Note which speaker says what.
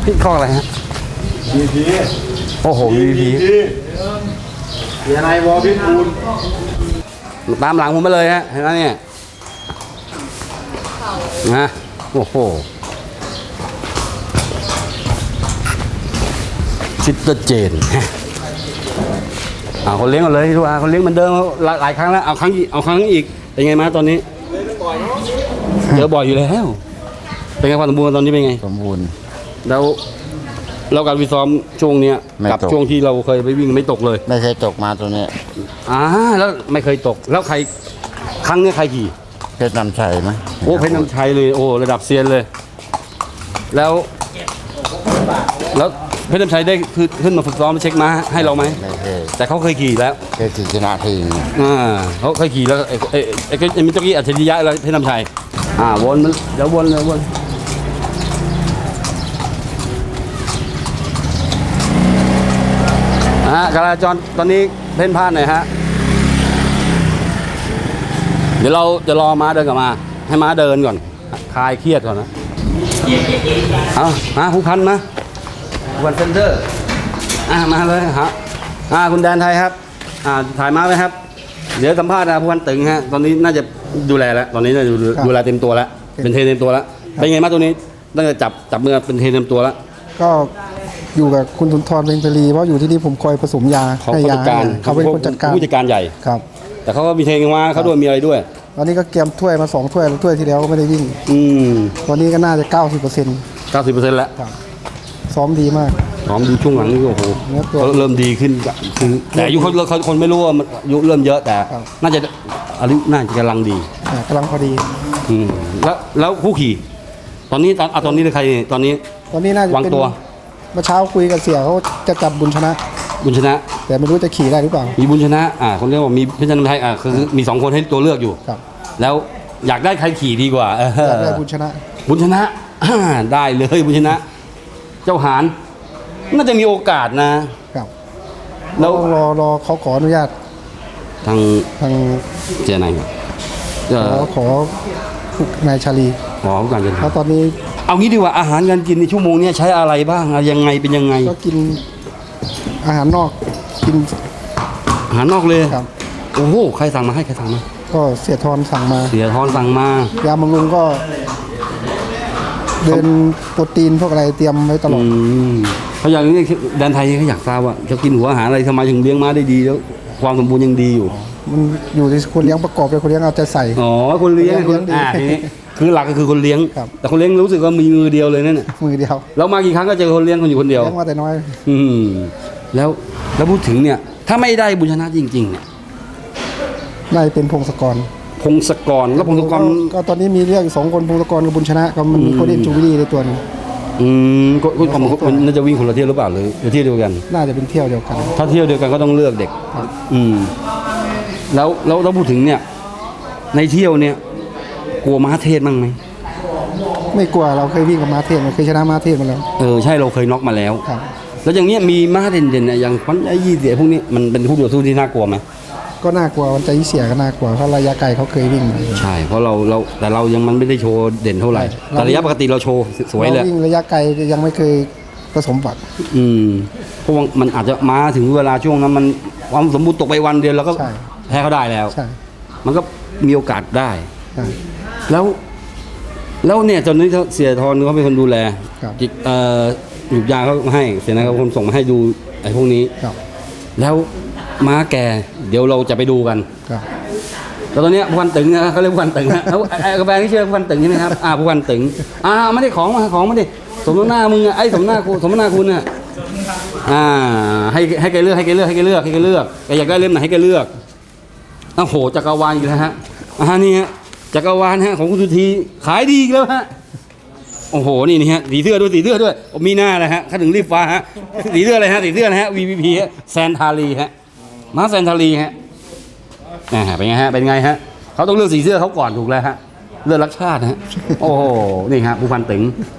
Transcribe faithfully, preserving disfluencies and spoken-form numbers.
Speaker 1: พี่ข้ออะไรฮะ
Speaker 2: วี พี
Speaker 1: โอ้โห วี พี
Speaker 2: เสียนายวอพิทูล
Speaker 1: ตามหลังผมมาเลยฮะเห็นไหมเนี่ยนะโอ้โหซิสเตอร์เจนเอาคนเลี้ยงกันเลยทุกอาคนเลี้ยงเหมือนเดิมหลายหลายครั้งแล้วเอาครั้งอีกเอาครั้งอีกเป็นไงมาตอนนี้เจอบ่อยอยู่แล้วเป็นไงความสมบูรณ์ตอนนี้เป็นไง
Speaker 3: สมบูรณ์
Speaker 1: แล้วเราการวิซ้อมช่วงเนี้ย
Speaker 3: ไม่
Speaker 1: กับ
Speaker 3: ตก
Speaker 1: ช่วงที่เราเคยไปวิ่งไม่ตกเลย
Speaker 3: ไม่เคยตกมาตัวนี้
Speaker 1: อ่าแล้วไม่เคยตกแล้วใครครั้งเนี้ยใครขี่
Speaker 3: เพชรนำชัยไหม
Speaker 1: โอ้เพชรน้ำชัยเลยโอ้ระดับเซียนเลย แล้วแล้วเพชรน้ำชัยได้คือขึ้นมาฝึกซ้อมเช็คม้าให้เราไหม
Speaker 3: ไม่เคย
Speaker 1: แต่เขาเคยขี่แล้ว
Speaker 3: เคยชนะทีม
Speaker 1: อ่าเขาเคยขี่แล้วไอ้ไอ้ไอ้ไอ้มิตรกี้อัจฉริยะแล้วเพชรน้ำชัยอ่าวนมันเดี๋ยววนเลยวนอ่าการจราจรตอนนี้เพ่นพ่านหน่อยฮะเดี๋ยวเราจะรอม้าเดินกลับมาให้ม้าเดินก่อนคลายเครียดก่อนนะเอามาผู้พันมาผู้พันเซนเตอร์อ่ามาเลยฮะอ่าคุณแดนไทยครับอ่าถ่ายม้าไหมครับเดี๋ยวสัมภาษณ์นะผู้พันตึงฮะตอนนี้น่าจะดูแลแล้วตอนนี้น่าจะดูดูแลเต็มตัวแล้วเป็นเทรนเต็มตัวแล้วเป็นไงม้าตัวนี้ตั้งแต่จับจับมือเป็นเทรนเต็มตัวแล้ว
Speaker 4: ก็อยู่กับคุณสุนทรเพ็งตรีเพราะอยู่ที่นี่ผมคอยผสมยา
Speaker 1: เขา
Speaker 4: ให้
Speaker 1: ผู้
Speaker 4: ยา
Speaker 1: จัดการ
Speaker 4: เขาเป็นคนจัดการ
Speaker 1: ผู้จัดการใหญ่
Speaker 4: ครับ
Speaker 1: แต่เขาก็มีเทรนม้าเขาด้วยมีอะไรด้วย
Speaker 4: ตอนนี้ก็เกมถ้วยมาสองถ้วยแล้วถ้วยที่แล้วก็ไม่ได้วิ่ง
Speaker 1: อืม
Speaker 4: ตอนนี้ก็น่าจะ เก้าสิบเปอร์เซ็นต์
Speaker 1: เก้าสิบเปอร์เซ็นต์แล้ว
Speaker 4: ซ้อมดีมาก
Speaker 1: น้องดูช่วงหลังนี่โอ้โห
Speaker 4: เนื้อตัว
Speaker 1: เขาเริ่มดีขึ้นคือแต่อายุเขาเขาคนไม่รู้ว่ามันอายุเริ่มเยอะแต่
Speaker 4: ครับ
Speaker 1: น่าจะอายุน่าจะกำลังดี
Speaker 4: อ่ากำลังพอดี
Speaker 1: อืมแล้วแล้วคู่ขี่ ตอนนี้ตอนอ่ะตอนนี้ใครตอนนี้
Speaker 4: ตอนนี้น่าจะ
Speaker 1: วาง
Speaker 4: เป็น
Speaker 1: ตัว
Speaker 4: เมื่อเช้าคุยกับเสียเขาจะจับบุญชนะ
Speaker 1: บุญชนะ
Speaker 4: แต่ไม่รู้จะขี่ได้หรือเปล่า
Speaker 1: มีบุญชนะอ่าคนเรียกว่ามีเพชรนันทไทยอ่าคือมีสองคนให้ตัวเลือกอยู่
Speaker 4: ครับ
Speaker 1: แล้วอยากได้ใครขี่ดีกว่าเออ
Speaker 4: อยากได้บุญชนะ
Speaker 1: บุญชนะอ่าได้เลยบุญชนะ เจ้าหานน่าจะมีโอกาสนะ
Speaker 4: ครับ
Speaker 1: แล้ว
Speaker 4: ต้องรอรอเขาขออนุญาต
Speaker 1: ทาง
Speaker 4: ทาง
Speaker 1: เจนายครับเอ
Speaker 4: ขอ
Speaker 1: อ
Speaker 4: ขอผู้นายชาลี
Speaker 1: ขอผู้การเจน
Speaker 4: เพราะตอนนี้
Speaker 1: เอางี้ดีกว่าอาหารการกินในชั่วโมงเนี้ยใช้อะไรบ้างอะยังไงเป็นยังไง
Speaker 4: ก็กินอาหารนอกกิน
Speaker 1: อาหารนอกเลย
Speaker 4: ครับ
Speaker 1: โอ้โหใครสั่งมาให้ใครสั่งมา
Speaker 4: ก็เสียทรสั่งมา
Speaker 1: เสียทอนสั่งมาย
Speaker 4: าบำรุงก็ เดินโปรตีนพวกอะไรเตรียมไว้ตลอ
Speaker 1: อื
Speaker 4: ด
Speaker 1: มเขาอย่างนี้แดนไทยเขาอยากทราบว่าจะกินหัวอาหารอะไรทำไมถึงเลี้ยงม้าได้ดีแล้วความสมบูรณ์ยังดีอยู่
Speaker 4: มันอยู่ที่คนเลี้ยงประกอบไปคนเลี้ยงเอาใจใส่
Speaker 1: อ๋อคนเลี้ยง
Speaker 4: เลี้ยงดี
Speaker 1: อ่าทีนี้คือหลักก็คือคนเลี้ยง
Speaker 4: ครับ
Speaker 1: แต่คนเลี้ยงรู้สึกว่ามีมือเดียวเลยนั่นน่ะ
Speaker 4: มือเดียว
Speaker 1: แล้วมากี่ครั้งก็เจอคนเลี้ยงคนอยู่คนเดียว
Speaker 4: เลี้ยงมาแต่น้อย
Speaker 1: อืมแล้วแล้วพูดถึงเนี่ย ถ้าไม่ได้บุญชนะจริงๆเนี่ย
Speaker 4: น่าจะเป็นพงศกร
Speaker 1: พงศกรแล้วพงศกร
Speaker 4: ก็ตอนนี้มีเรื่องสองคนพงศกรกับบุญชนะก็มันมีโคเดนจูบิลี่ในตัวหนึง
Speaker 1: อืมก็ก็ก็มันน่าจะวิ่งคนละเที่ยวหรือเปล่าหรือหรือเที่ยวเดียวกัน
Speaker 4: น่าจะเป็นเที่ยวเดียวกัน
Speaker 1: ถ้าเที่ยวเดียวกันก็ต้องเลือกเด็ก อืม แล้วแล้วเราพูดถึงเนี่ย ในเที่ยวเนี่ย กลัวม้าเทศบ้างไหม
Speaker 4: ไม่กลัวเราเคยวิ่งกับมาเทศเราเคยชนะมาเทศมาแล้ว
Speaker 1: เออใช่เราเคยน็อกมาแล้ว
Speaker 4: ครับ
Speaker 1: แล้วอย่างเนี้ยมีม้าเด่นๆเนี่ยอย่างฟันไอ้ยี่เสียพวกนี้มันเป็นผู้ต่อสู้ที่น่ากลัวไหม
Speaker 4: ก็น่ากลัววันใจเสียก็น่ากลัวเพราะระยะไกลเขาเคยวิ่งมา
Speaker 1: ใช่เพราะเราเราแต่เรายังมันไม่ได้โชว์เด่นเท่าไหร่
Speaker 4: ใช่
Speaker 1: แต่ระยะปกติเราโชว์สวยเลย
Speaker 4: ราวิ่งระยะไกลยังไม่เคยผสมบัติ
Speaker 1: อืมเพราะว่ามันอาจจะมาถึงเวลาช่วงนั้นมันความสมบูรณ์ตกไปวันเดียวแล้วก็
Speaker 4: ใช่
Speaker 1: แพ้เขาได้แล้ว
Speaker 4: ใช่
Speaker 1: มันก็มีโอกาสได้
Speaker 4: ใช่
Speaker 1: แล้ว แล้วเนี่ยตอนนี้เสียทรเขาเป็นคนดูแล
Speaker 4: ครับ
Speaker 1: จิตเอ่อหยุกยาเขาให้เสียนะเขาคนส่งมาให้ดูไอ้พวกนี้
Speaker 4: ครับ
Speaker 1: แล้วม้าแกเดี๋ยวเราจะไปดูกัน
Speaker 4: ครับ
Speaker 1: แล้วตอนเนี้ยผู้พันตึงนะเขาเรียกผู้พันตึงนะแล้วไอ้กาแฟนี่ชื่อผู้พันตึงใช่ไหมครับอ่าผู้พันตึงอ่าไม่ได้ของมาของมาดิสมน้ำหน้ามึงอะไอ้สมหน้ากูสมหน้าคุณน่ะอ่าให้ให้แกเลือกให้แกเลือกให้แกเลือกให้แกเลือกแกอยากได้เล่มไหนให้แกเลือกโอ้โหจักรวาลอีกแล้วฮะอ่านี่ฮะจักรวาลฮะของคุณสุธีขายดีอีกแล้วฮะโอ้โหนี่นี่ฮะสีเสื้อด้วยสีเสื้อด้วยมีหน้าเลยฮะเขาถึงรีบฟ้าฮะสีเสื้ออะไรฮะสีเสื้อนะฮะ วี วี พี ฮะแซนทาลีฮะม้าแซนทาลีฮะอ่าเป็นไงฮะเป็นไงฮะเขาต้องเลือกสีเสื้อเขาก่อนถูกแล้วฮะเลือกรักชาติฮะโอ้โหนี่ฮะผู้พันตึง